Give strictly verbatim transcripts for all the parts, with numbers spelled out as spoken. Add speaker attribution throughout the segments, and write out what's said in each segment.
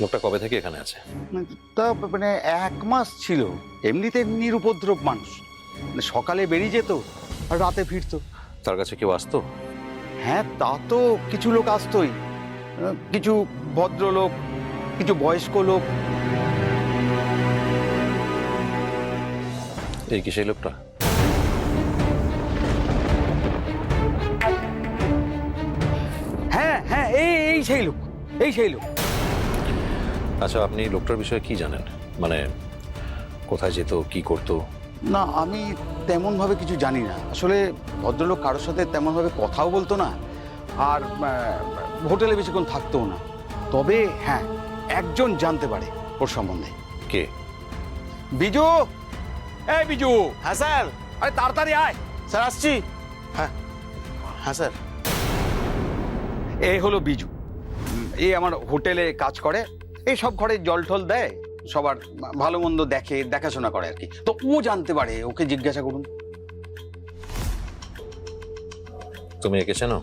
Speaker 1: লোকটা কবে থেকে এখানে আছে?
Speaker 2: তা মানে এক মাস ছিল। এমনিতে নিরুপদ্রব মানুষ, মানে সকালে বেরিয়ে যেত আর রাতে ফিরতো।
Speaker 1: তার কাছে কেউ আসতো?
Speaker 2: হ্যাঁ, তা তো কিছু লোক আসতোই, আহ, কিছু ভদ্রলোক, কিছু বয়স্ক লোক।
Speaker 1: এই কি সেই লোকটা?
Speaker 2: হ্যাঁ হ্যাঁ, এই এই সেই লোক, এই সেই লোক।
Speaker 1: আচ্ছা, আপনি লোকটার বিষয়ে কি জানেন? মানে কোথায় যেত, কি করতো?
Speaker 2: না, আমি তেমন ভাবে কিছু জানি না আসলে। ভদ্রলোক কারোর সাথে তেমন ভাবে কথাও বলতো না, আর আহ, হোটেলে বেশিক্ষণ থাকতোও না। তবে হ্যাঁ, একজন জানতে পারে ওর সম্বন্ধে।
Speaker 1: কে?
Speaker 2: বিজু, এই বিজু।
Speaker 3: হ্যাঁ স্যার।
Speaker 2: আরে তাড়াতাড়ি আয়।
Speaker 3: স্যার আসছি। হ্যাঁ হ্যাঁ স্যার।
Speaker 2: এই হলো বিজু। উম, এই আমার হোটেলে কাজ করে, এই সব ঘরে জল টল দেয়, সবার ভালো মন্দ দেখে, দেখাশোনা করে আর কি। তো ও জানতে পারে, ওকে জিজ্ঞাসা করুন।
Speaker 1: তুমি একে চেনো?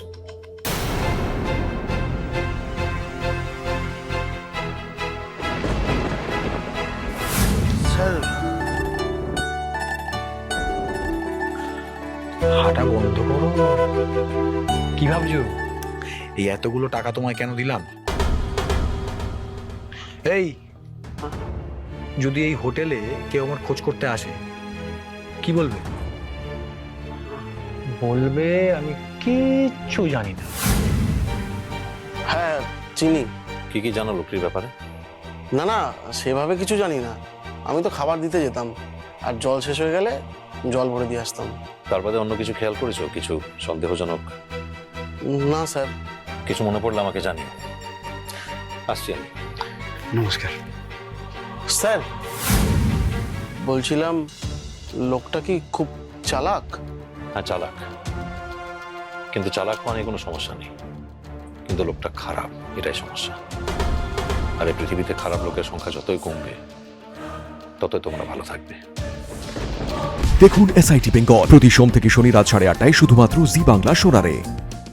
Speaker 3: স্যার
Speaker 4: হাঁটা বন্ধ করো। কি ভাবছো? এই এতগুলো টাকা তোমায় কেন দিলাম? এই, যদি এই হোটেলে কেউ আমার খোঁজ করতে আসে, কি বলবে? বলবে আমি কিচ্ছু জানি না।
Speaker 3: হ্যাঁ চিনি।
Speaker 1: কি কি জানো লোকটির ব্যাপারে?
Speaker 3: না না, সেভাবে কিছু জানি না। আমি তো খাবার দিতে যেতাম, আর জল শেষ হয়ে গেলে জল ভরে দিয়ে আসতাম।
Speaker 1: তার বাদে অন্য কিছু খেয়াল করেছো? কিছু সন্দেহজনক?
Speaker 3: না স্যার।
Speaker 1: কিছু মনে পড়লে আমাকে জানিও। আসছি আমি।
Speaker 2: নমস্কার।
Speaker 3: স্যার বলছিলাম, লোকটা কি খুব চালাক?
Speaker 1: হ্যাঁ, চালাক। কিন্তু চালাক মানে কোনো সমস্যা নেই, কিন্তু লোকটা খারাপ, এটাই সমস্যা। আর এই পৃথিবীতে খারাপ লোকের সংখ্যা যতই কমবে, ততই তোমরা ভালো থাকবে।
Speaker 5: দেখুন এসআইটি বেঙ্গল প্রতি সোম থেকে শনি রাত সাড়ে আটটায় শুধুমাত্র জি বাংলা সোনারে।